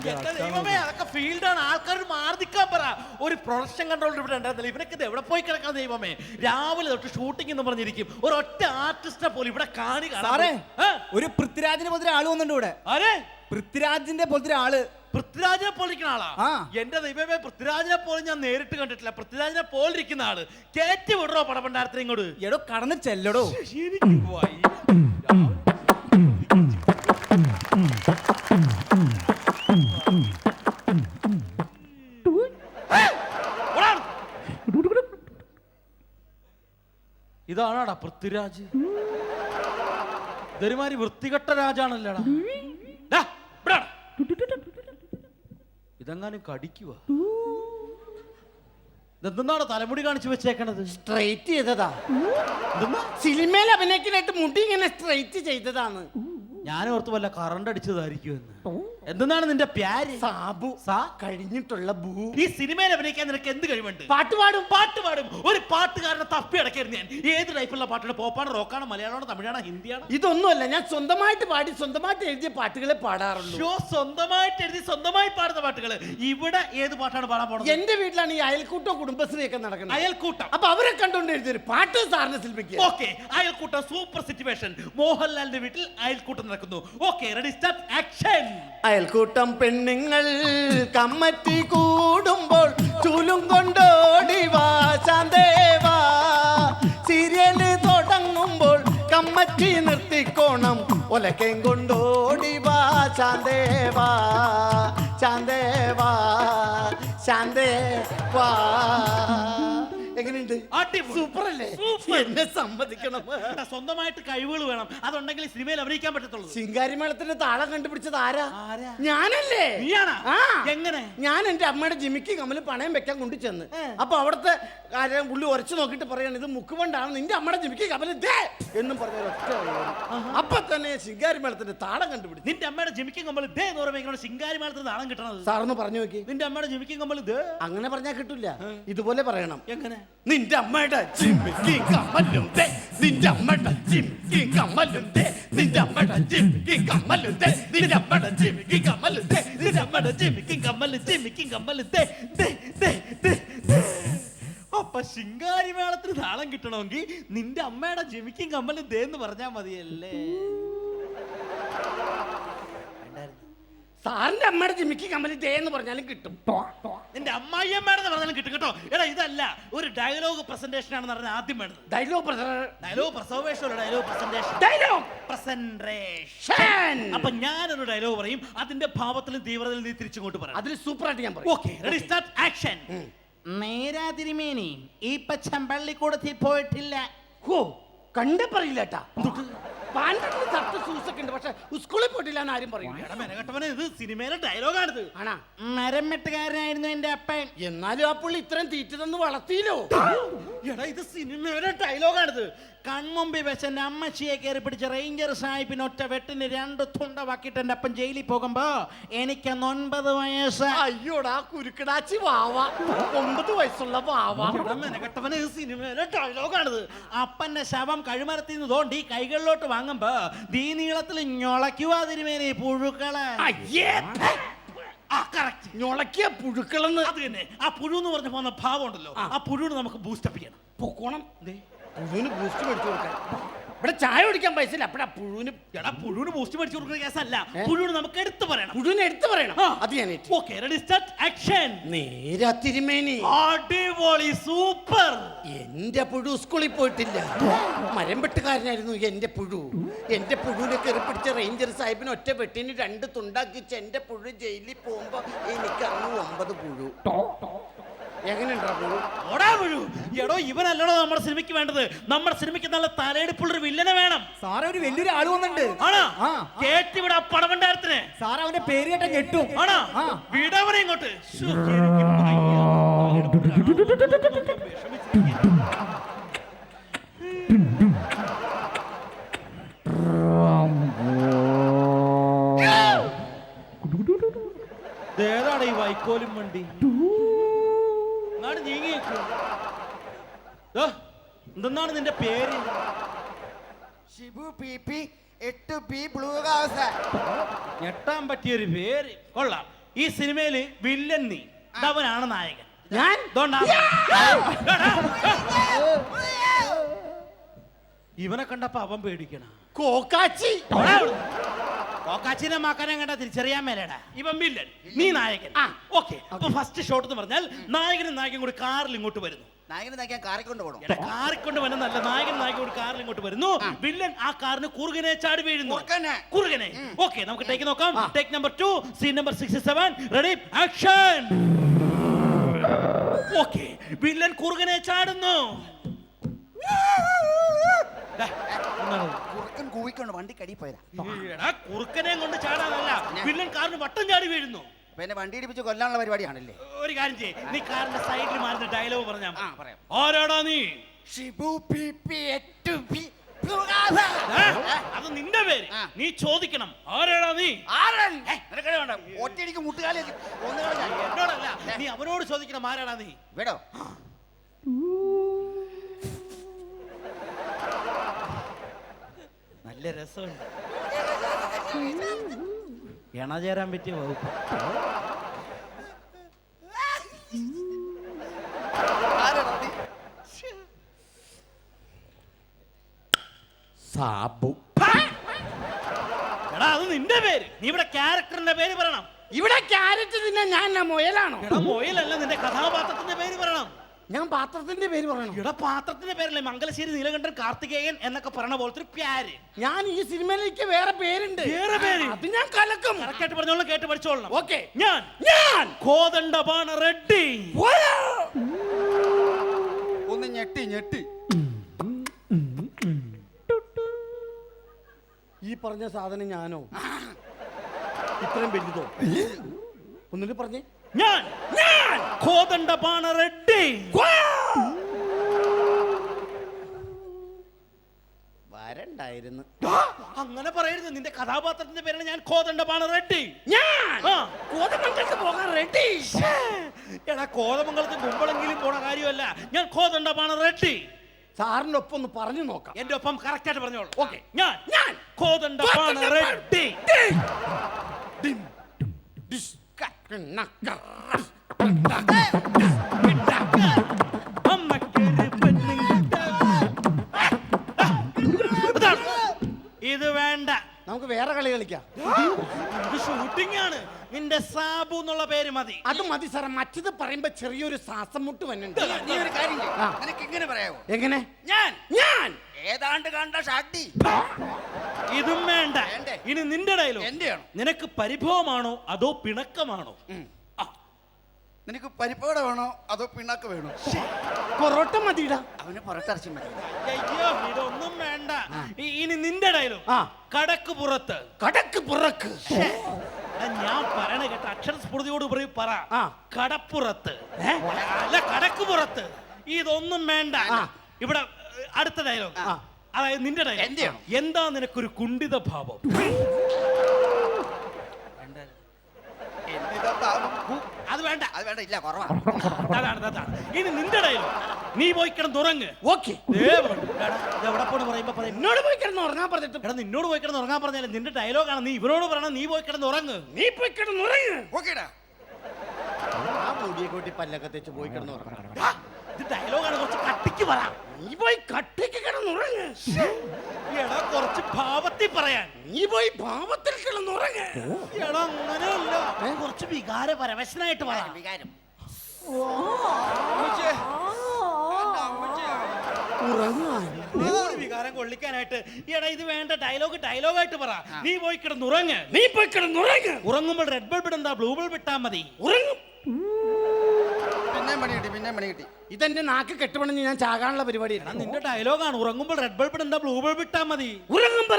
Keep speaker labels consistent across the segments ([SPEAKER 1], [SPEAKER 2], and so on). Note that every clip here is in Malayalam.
[SPEAKER 1] ദൈവമേ, അതൊക്കെ ഫീൽഡാണ്. ആൾക്കാർ മാർദിക്കാൻ പറ. ഒരു പ്രൊഡക്ഷൻ കൺട്രോളർ ഇവിടെ ഉണ്ടായിരുന്നില്ല. ഇവനൊക്കെ ഇത് എവിടെ പോയി കിടക്കാൻ ദൈവമേ? രാവിലെ തൊട്ട് ഷൂട്ടിംഗ് എന്ന് പറഞ്ഞിരിക്കും. ഒരു ഒറ്റ ആർട്ടിസ്റ്റിനെ പോലും ഇവിടെ
[SPEAKER 2] ഒരു പൃഥ്വിരാജിനെ പോലത്തെ ആള് വന്നിട്ടുണ്ട് ഇവിടെ.
[SPEAKER 1] ആരെ?
[SPEAKER 2] പൃഥ്വിരാജിന്റെ പോലത്തെ ആള്.
[SPEAKER 1] പൃഥ്വിരാജിനെ പോലിരിക്കുന്ന ആളാ? എന്റെ ദൈവമേ, പൃഥ്വിരാജിനെ പോലും ഞാൻ നേരിട്ട് കണ്ടിട്ടില്ല. പൃഥ്വിരാജിനെ പോലിരിക്കുന്ന ആള് കേറ്റി വിടറോ പടപണ്ടാരത്തിന് ഇങ്ങോട്ട്?
[SPEAKER 2] എടോ കടന്ന് ചെല്ലടോ.
[SPEAKER 1] ഇതാണാടാ പൃഥ്വിരാജ്? ഇതൊരുമാതിരി വൃത്തികെട്ട രാജാണല്ലേടാ. ഇതെങ്ങാനും കടിക്കുക. ഇതെന്താണ് തലമുടി കാണിച്ചു വെച്ചേക്കണത്?
[SPEAKER 3] സ്ട്രൈറ്റ് ചെയ്തതാ. സിനിമയിൽ അഭിനയിക്കാനായിട്ട് മുടി ഇങ്ങനെ സ്ട്രൈറ്റ് ചെയ്തതാണ്.
[SPEAKER 1] ഞാൻ ഓർത്ത് വല്ല കറണ്ട് അടിച്ചതായിരിക്കും. എന്താണ് നിന്റെ പ്യാര്?
[SPEAKER 3] സാബു. കഴിഞ്ഞിട്ടുള്ള ഭൂ.
[SPEAKER 1] ഈ സിനിമയിൽ അഭിനയിക്കാൻ നിനക്ക് എന്ത് കഴിവുണ്ട്?
[SPEAKER 3] പാട്ട് പാടും.
[SPEAKER 1] ഒരു പാട്ടുകാരനെ തപ്പി അടക്കായിരുന്നു ഞാൻ. ഏത് ടൈപ്പുള്ള പാട്ടാണ്? പോപ്പാണ്, റോക്കാണ്, മലയാളമാണോ, തമിഴാണോ, ഹിന്ദിയാണോ?
[SPEAKER 3] ഇതൊന്നുമല്ല, ഞാൻ സ്വന്തമായിട്ട് പാടി സ്വന്തമായിട്ട് എഴുതിയ പാട്ടുകളെ പാടാറുള്ളൂ.
[SPEAKER 1] സ്വന്തമായിട്ട് എഴുതി സ്വന്തമായി പാടുന്ന പാട്ടുകൾ. ഇവിടെ ഏത് പാട്ടാണ് പാടാൻ പോകുന്നത്?
[SPEAKER 3] എന്റെ വീട്ടിലാണ് ഈ അയൽക്കൂട്ടം കുടുംബശ്രീ ഒക്കെ നടക്കുന്നത്.
[SPEAKER 1] അയൽക്കൂട്ടം.
[SPEAKER 3] അപ്പൊ അവരെ കണ്ടുകൊണ്ട് എഴുതിയൊരു പാട്ട് സാറിന് ശില്പിക്കുക.
[SPEAKER 1] ഓക്കെ, അയൽക്കൂട്ടം സൂപ്പർ സിറ്റുവേഷൻ. മോഹൻലാലിന്റെ വീട്ടിൽ അയൽക്കൂട്ടം നടക്കുന്നു. Okay, ready, start, action.
[SPEAKER 3] അയൽക്കൂട്ടം പെണ്ണുങ്ങൾ കമ്മറ്റി കൂടുമ്പോൾ ചൂലും കൊണ്ടോടിവാ ശാന്തേവാ. സീരിയല് തുടങ്ങുമ്പോൾ കമ്മറ്റി നിർത്തിക്കോണം. ഒലക്കേം കൊണ്ടോടിവാ ശാന്തേവാ ശാന്തേവാ ശാന്തേവാ. എങ്ങനെയുണ്ട്? സൂപ്പർ അല്ലേ? എന്നെ സമ്മതിക്കണം.
[SPEAKER 1] സ്വന്തമായിട്ട് കഴിവുകൾ വേണം. അതുണ്ടെങ്കിൽ സിനിമയിൽ അഭിനയിക്കാൻ പറ്റത്തുള്ളൂ.
[SPEAKER 3] ശിങ്കാരിമേളത്തിന്റെ താളം കണ്ടുപിടിച്ചത് ആരാ? ഞാനല്ലേ?
[SPEAKER 1] എങ്ങനെ?
[SPEAKER 3] ഞാൻ എന്റെ അമ്മയുടെ ജിമിക്ക് കമ്മല് പണയം വെക്കാൻ കൊണ്ടു ചെന്ന്. അപ്പൊ അവിടുത്തെ കാര്യം പുള്ളി ഉരച്ചു നോക്കിട്ട് പറയാണ്, ഇത് മുക്കുകൊണ്ടാണ് നിന്റെ അമ്മയുടെ ജിമിക്ക് കമ്മല് എന്നും പറഞ്ഞ ഒറ്റ. അപ്പൊ തന്നെ ശിങ്കാരിമേളത്തിന്റെ താളം കണ്ടുപിടിച്ചു.
[SPEAKER 1] നിന്റെ അമ്മയുടെ ജിമിക്കും കമ്മല് എന്ന് പറയുമ്പോൾ ശിങ്കാരിമേളത്തിന് താളം കിട്ടണത്?
[SPEAKER 3] സാറൊന്ന് പറഞ്ഞു നോക്കി.
[SPEAKER 1] നിന്റെ അമ്മയുടെ ജിമിക്കും കമ്മല്
[SPEAKER 3] അങ്ങനെ പറഞ്ഞാൽ കിട്ടില്ല. ഇതുപോലെ പറയണം.
[SPEAKER 1] എങ്ങനെ?
[SPEAKER 3] നിന്റെ അമ്മയുടെ ജിമിക്ക് കമ്മലും നിന്റെ അമ്മയുടെ ജിമിക്ക് കമ്മലും നിന്റെ അമ്മയുടെ ജിമിക്ക് കമ്മലും നിന്റെ അമ്മയുടെ ജിമിക്ക് കമ്മലും നിന്റെ അമ്മയുടെ ജിമിക്ക് കമ്മലും ജിമിക്ക് കമ്മലും.
[SPEAKER 1] അപ്പൊ ശിങ്കാരിമേളത്തിന് താളം കിട്ടണമെങ്കിൽ നിന്റെ അമ്മയുടെ ജിമിക്കും കമ്മലും എന്ന് പറഞ്ഞാ മതിയല്ലേ?
[SPEAKER 3] സാറിന്റെ അമ്മയുടെ ജിമിക്ക് കമ്മല് എന്ന് പറഞ്ഞാലും കിട്ടും.
[SPEAKER 1] നിന്റെ അമ്മായിയമ്മയുടെ പറഞ്ഞാലും കിട്ടും കേട്ടോ. എടാ, ഇതല്ല, ഒരു ഡയലോഗ് പ്രസന്റേഷൻ ആണെന്ന് പറഞ്ഞാൽ ആദ്യം വേണ്ടത്.
[SPEAKER 3] Dialogue
[SPEAKER 1] presentation. അപ്പൊ ഞാനൊരു ഡയലോഗ് പറയും, അതിന്റെ ഭാവത്തിലും തീവ്രതയിലും നീ തിരിച്ചുകൊണ്ട് പറയാം.
[SPEAKER 3] അതിൽ സൂപ്പറായിട്ട് ഞാൻ പറയും.
[SPEAKER 1] Okay, ready, start, action.
[SPEAKER 3] നേരാ തിരുമേനി ഈ പച്ചമ്പള്ളിക്കൂടത്തിൽ പോയിട്ടില്ല. ഹോ, കണ്ടേ പറയില്ല കേട്ടാ. പക്ഷെ സ്കൂളിൽ പോയിട്ടില്ല ആരും പറയും.
[SPEAKER 1] ഇത് സിനിമയിലെ ഡയലോഗാണിത്.
[SPEAKER 3] ആണാ? മരം വെട്ടുകാരനായിരുന്നു എന്റെ അപ്പൻ. എന്നാലും ആ പുള്ളി ഇത്രയും തീറ്റ തന്ന് വളർത്തിയില്ലോ.
[SPEAKER 1] എടാ, ഇത് സിനിമയിലെ ഡയലോഗാണിത്. കൺമുമ്പിൽ വെച്ച് എന്റെ അമ്മച്ചിയെ കയറി പിടിച്ച റേഞ്ചർ സാഹിബിന് ഒറ്റ വെട്ടിന് 2 തുണ്ടവാക്കിട്ട് എന്റെ അപ്പൻ ജയിലിൽ പോകുമ്പോ എനിക്ക് 9 വയസ്സ്.
[SPEAKER 3] അയ്യോടാ കുരുക്കടാച്ചി വാവ, 9 വയസ്സുള്ള വാവ.
[SPEAKER 1] മെനകെട്ടവന് ഇത് സിനിമയിലെ ഡയലോഗാണിത്. അപ്പന്റെ ശവം കഴുമരത്തിൽ നിന്ന് തോണ്ടി കൈകളിലോട്ട് വാങ്ങുമ്പോ ദീ നീളത്തിൽ ഞൊളയ്ക്കുവാ തിരുമേനി പുഴുക്കള്.
[SPEAKER 3] ഞൊളക്കിയ പുഴുക്കളെന്ന്.
[SPEAKER 1] അത് തന്നെ. ആ പുഴു എന്ന് പറഞ്ഞ പോകുന്ന ഭാവം ഉണ്ടല്ലോ, ആ പുഴുവിന് നമുക്ക് ബൂസ്റ്റപ്പ് ചെയ്യണം.
[SPEAKER 3] പൊക്കോണം. പുഴുവിന് ബൂസ്റ്റ് മേടിച്ചു കൊടുക്കാൻ ഇവിടെ ചായ കുടിക്കാൻ പൈസ ഇല്ല. അപ്പഴാ പുഴുവിന്.
[SPEAKER 1] എടാ, പുഴുവിന് ബൂസ്റ്റ് മേടിച്ചു കൊടുക്കുന്ന കേസല്ല, പുഴുവിന് നമുക്ക് എടുത്തു പറയണം.
[SPEAKER 3] പുഴുവിനെ എടുത്തു പറയണം. അത് ഞാൻ.
[SPEAKER 1] Okay, ready, start, action.
[SPEAKER 3] നേരാ തിരുമേനി.
[SPEAKER 1] അടിപൊളി, സൂപ്പർ.
[SPEAKER 3] എന്റെ പുഴു സ്കൂളിൽ പോയിട്ടില്ല. മരം വെട്ടുകാരനായിരുന്നു എന്റെ പുഴു. എന്റെ പുഴുവിനെ കയറി പിടിച്ച റേഞ്ചർ സാഹിബിന് ഒറ്റ വെട്ടിന് 2 തുണ്ടാക്കിച്ച് എന്റെ പുഴു ജയിലിൽ പോകുമ്പോ എനിക്ക് അന്ന് 9 പുഴു.
[SPEAKER 1] എടോ, ഇവനല്ലടോ നമ്മുടെ സിനിമയ്ക്ക് വേണ്ടത്. നമ്മുടെ സിനിമയ്ക്ക് നല്ല തലയെടുപ്പുള്ളൊരു വില്ലനെ വേണം.
[SPEAKER 2] സാറേ, ഒരു വലിയൊരു ആള് വന്നിട്ടുണ്ട്.
[SPEAKER 1] ആണോ? കേട്ടിവിടെ പടവണ്ടാരത്തിന്.
[SPEAKER 2] സാറ് അവന്റെ പേര് കേട്ട ഞെട്ടും.
[SPEAKER 1] ആണോ? വിടവനെ ഇങ്ങോട്ട്. ഏതാണ് ഈ വൈക്കോലും വണ്ടി? എന്താണ് നിന്റെ പേര്?
[SPEAKER 4] Shibu PP 8B blue house.
[SPEAKER 1] ഞെട്ടാൻ പറ്റിയൊരു പേര്. കൊള്ളാം. ഈ സിനിമയില് വില്ലൻ നീ, അവനാണ് നായകൻ.
[SPEAKER 3] ഞാൻ
[SPEAKER 1] ഇവനെ കണ്ടപ്പോ അവൻ പേടിക്കണ.
[SPEAKER 3] കോക്കാച്ചി
[SPEAKER 1] കോക്കാച്ചിനെ മാക്കാനെ കണ്ട തിരിച്ചറിയാൻ മേലേടാ. ഇവൻ വില്ലൻ, നീ നായകൻ. ഓക്കെ, അപ്പൊ ഫസ്റ്റ് ഷോട്ട് എന്ന് പറഞ്ഞാൽ നായകനും നായകൻ കൂടി കാറിൽ ഇങ്ങോട്ട് വരുന്നു.
[SPEAKER 4] നായകനെ നായകൻ കാറിക്കൊണ്ട് പോകണം.
[SPEAKER 1] കാറിക്കൊണ്ട് വന്നല്ല, നായകൻ നായകൻ കൂടി കാറിൽ ഇങ്ങോട്ട് വരുന്നു. വില്ലൻ ആ കാറിന് കുറുകനെ ചാടി വീഴുന്നു. കുറുകനെ. ഓക്കെ, നമുക്ക് ടേക്ക് നോക്കാം. Take number 2, scene number 67. Ready, action. Okay, villain കുറുകനെ ചാടുന്നു.
[SPEAKER 4] കുറുക്കൻ കൂവിക്കൊണ്ട് വണ്ടി കടി പോയതാ.
[SPEAKER 1] കുറുക്കനെ കൊണ്ട് ചാടാനല്ല, വില്ലൻ കാറിന് വട്ടം ചാടി വീഴുന്നു.
[SPEAKER 4] പിന്നെ വണ്ടി ഇടിപ്പിച്ച് കൊല്ലാനുള്ള പരിപാടിയാണല്ലേ.
[SPEAKER 1] ഒരു കാര്യം ചെയ്യ്, നീ കാറിന്റെ സൈഡിൽ മാറുന്ന ഡയലോഗ് പറഞ്ഞാ.
[SPEAKER 4] പറയാം.
[SPEAKER 1] ആരാടാ നീ?
[SPEAKER 4] ഷിബു
[SPEAKER 1] അത് നിന്റെ പേര്, നീ ചോദിക്കണം. ആരാടാ നീ?
[SPEAKER 4] ഒറ്റയടിക്ക് മുട്ടുകാലി
[SPEAKER 1] എന്നോടല്ല, നീ അവനോട് ചോദിക്കണം. ആരാടാ നീ?
[SPEAKER 4] വേടോ
[SPEAKER 1] നല്ല രസമുണ്ട്, ഇണചേരാൻ പറ്റിയ വകുപ്പ്.
[SPEAKER 3] സാബു.
[SPEAKER 1] എടാ, അത് നിന്റെ പേര്, നീ ഇവിടെ ക്യാരക്ടറിന്റെ പേര് പറയണം.
[SPEAKER 3] ഇവിടെ ക്യാരറ്റ് തിന്നാൻ ഞാൻ മൊയലാണോ?
[SPEAKER 1] എടാ, മൊയിലല്ല, നിന്റെ കഥാപാത്രത്തിന്റെ പേര് പറയണം.
[SPEAKER 3] ഞാൻ പാത്രത്തിന്റെ പേര് പറയണം.
[SPEAKER 1] ഇവിടെ പാത്രത്തിന്റെ പേരല്ലേ മംഗലശ്ശേരി നീലകണ്ഠൻ കാർത്തികേയൻ എന്നൊക്കെ പറഞ്ഞ പോലത്തെ ഒരു പ്യാര്.
[SPEAKER 3] ഞാൻ ഈ സിനിമയിലേക്ക് വേറെ പേരുണ്ട്.
[SPEAKER 1] വേറെ പേര്?
[SPEAKER 3] അത് ഞാൻ കലക്കും.
[SPEAKER 1] കറക്റ്റായിട്ട് പറഞ്ഞോളാം, കേട്ട് പഠിച്ചോളണം.
[SPEAKER 3] ഓക്കെ.
[SPEAKER 1] ഞാൻ കോദണ്ഡപാണ റെഡ്ഡി.
[SPEAKER 4] ഒന്ന് ഞെട്ടി ഞെട്ടി.
[SPEAKER 3] ഈ പറഞ്ഞ സാധനം ഞാനോ? ഇത്രയും വലുതോ? ഒന്നിട്ട് പറഞ്ഞേ.
[SPEAKER 1] ഞാൻ കോദണ്ഡപാണ റെഡ്ഡി.
[SPEAKER 3] വരണ്ടായിരുന്നു.
[SPEAKER 1] അങ്ങനെ പറയരുത്, നിന്റെ കഥാപാത്രത്തിന്റെ പേരാണ് ഞാൻ കോദണ്ഡപാണ റെഡ്ഡി.
[SPEAKER 3] ഞാൻ കോതമംഗലത്ത് പോകാൻ റെഡി.
[SPEAKER 1] എടാ, കോതമംഗലത്ത് കുമ്പളെങ്കിലും പോണ കാര്യമല്ല, ഞാൻ കോദണ്ഡപാണ റെഡ്ഡി.
[SPEAKER 3] സാറിന്റെ ഒപ്പം ഒന്ന് പറഞ്ഞു നോക്കാം.
[SPEAKER 1] എന്റെ ഒപ്പം കറക്റ്റ് ആയിട്ട് പറഞ്ഞോളൂ.
[SPEAKER 3] ഓക്കെ.
[SPEAKER 1] ഞാൻ കോദണ്ഡപാണ റെഡ്ഡി. ഇത് വേണ്ട,
[SPEAKER 3] നമുക്ക് വേറെ കളി കളിക്കാം.
[SPEAKER 1] ഇത് ഷൂട്ടിംഗ് ആണ്. നിന്റെ സാബു എന്നുള്ള പേര് മതി.
[SPEAKER 3] അത് മതി സാറേ. മറ്റത് പറയുമ്പോ ചെറിയൊരു ശ്വാസം മുട്ട് വന്നുണ്ട്.
[SPEAKER 4] നീ ഒരു കാര്യം ചെയ്യ്. നിനക്ക് ഇങ്ങനെ പറയാവോ?
[SPEAKER 3] എങ്ങനെ?
[SPEAKER 4] ഞാൻ ഏതാണ്ട് കണ്ട ഷാട്ടി.
[SPEAKER 1] ഇതും വേണ്ട.
[SPEAKER 4] വേണ്ടേ?
[SPEAKER 1] ഇനി നിന്റെ ഡയലോഗ്.
[SPEAKER 4] എന്റെയാണോ?
[SPEAKER 1] നിനക്ക് പരിഭവമാണോ അതോ പിണക്കമാണോ?
[SPEAKER 4] നിനക്ക് പരിപ്പോട വേണോ അതോ പിണ്ണാക്ക് വേണോ?
[SPEAKER 3] പൊറോട്ട മതിടാ.
[SPEAKER 4] അവന് പുറത്തിറച്ചി മതി.
[SPEAKER 1] അയ്യോ, ഇതൊന്നും വേണ്ട. ഇനി നിന്റെ ഡയലോഗ്. കടക്ക് പുറത്ത്.
[SPEAKER 3] കടക്ക് പുറക്ക്.
[SPEAKER 1] ഞാൻ പറയണ കേട്ട അക്ഷരസ്ഫുടതയോട് പറ. കടപ്പുറത്ത് അല്ല, കടക്ക് പുറത്ത്. ഇതൊന്നും വേണ്ട. ഇവിടെ അടുത്ത ഡയലോഗ്, അതായത് നിന്റെ ഡയലോഗ്. എന്താ നിനക്കൊരു കുണ്ഠിത ഭാവം? അത് വേണ്ട,
[SPEAKER 4] അത് വേണ്ട, ഇല്ല, കുറവാ.
[SPEAKER 1] അതാണ്. ഇനി നിന്റെ ഡയലോഗ്. നീ പോയി കിടന്നുറങ്ങ്.
[SPEAKER 3] ഓക്കെ.
[SPEAKER 1] എവിടെ പോണ് പറയുമ്പോ പറയും
[SPEAKER 3] എന്നോട് പോയി കിടന്ന് ഉറങ്ങാൻ പറഞ്ഞിട്ട്.
[SPEAKER 1] എടാ, നിന്നോട് പോയി കിടന്ന് ഉറങ്ങാൻ പറഞ്ഞാലും നിന്റെ ഡയലോഗാണ്. നീ ഇവരോട് പറയണം, നീ പോയി കിടന്ന് ഉറങ്ങ്.
[SPEAKER 3] നീ പോയി കിടന്ന് ഉറങ്ങ്.
[SPEAKER 4] ഓക്കേടാ.
[SPEAKER 3] ആ മുടിയെ കൂട്ടി പല്ലൊക്കെ തെച്ച് പോയി കിടന്ന് ഉറങ്ങണം.
[SPEAKER 1] ഇത് ഡയലോഗാണ്, കുറച്ച് കട്ടിക്ക് പറ.
[SPEAKER 3] നീ പോയി കട്ടിക്ക് കിടന്നുറങ്ങ്.
[SPEAKER 1] എടാ, കുറച്ച് ഭാവത്തിൽ പറയാൻ.
[SPEAKER 3] നീ പോയി ഭാവത്തിൽ കിടന്നുറങ്ങ്.
[SPEAKER 1] എടാ, അങ്ങനെയല്ല, കുറച്ച് വികാര പരവശനായിട്ട് പറയാം.
[SPEAKER 4] വികാരം.
[SPEAKER 1] വികാരം കൊള്ളിക്കാനായിട്ട്. എടാ, ഇത് വേണ്ട. ഡയലോഗായിട്ട് പറ. നീ പോയി കിടന്നുറങ്ങ്.
[SPEAKER 3] നീ പോയി കിടന്നുറങ്ങ്.
[SPEAKER 1] ഉറങ്ങുമ്പോൾ റെഡ് ബൾബ് ഇടണ്ട, ബ്ലൂ ബൾബ് ഇട്ടാ മതി.
[SPEAKER 3] ഉറങ്ങും.
[SPEAKER 4] പിന്നെ മണി കിട്ടി.
[SPEAKER 3] ഇതെന്റെ നാക്ക് കെട്ടുപണിഞ്ഞ് ഞാൻ ചാകാനുള്ള പരിപാടി.
[SPEAKER 1] നിന്റെ ഡയലോഗാണ്. ഉറങ്ങുമ്പോൾ റെഡ് ബൾബ് ഇടണ്ട, ബ്ലൂ ബൾബ് ഇട്ടാ മതി.
[SPEAKER 3] ഉറങ്ങുമ്പോ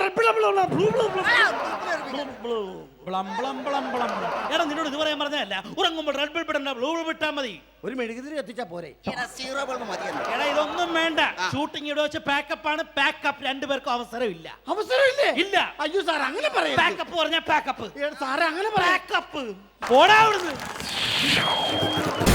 [SPEAKER 1] എടാ, നിന്നോട് ഇത് പറയാൻ പറഞ്ഞല്ല. ഉറങ്ങുമ്പോൾ റെഡ് ബൾബ് ഇടണ്ട, ബ്ലൂ ബൾബ് ഇട്ടാ മതി.
[SPEAKER 3] ഒരു മെഴുകുതിരി എത്തിച്ചാ പോരെ.
[SPEAKER 4] സീറോ ബൾബ് മതിയെന്ന്.
[SPEAKER 1] എടാ, ഇതൊന്നും വേണ്ട. ഷൂട്ടിംഗ് ഇവിടെ വെച്ച് പാക്കപ്പ് ആണ്. പാക്കപ്പ് രണ്ടുപേർക്കും അവസരമില്ല.
[SPEAKER 3] അവസരമില്ലേ?
[SPEAKER 1] ഇല്ല.
[SPEAKER 3] അയ്യോ സാർ, അങ്ങനെ പറയാം.
[SPEAKER 1] പാക്കപ്പ് പറഞ്ഞാ പാക്കപ്പ്.
[SPEAKER 3] സാറേ, അങ്ങനെ പറയാം.
[SPEAKER 1] പാക്കപ്പ്. ഓടാ അവിടുന്ന്.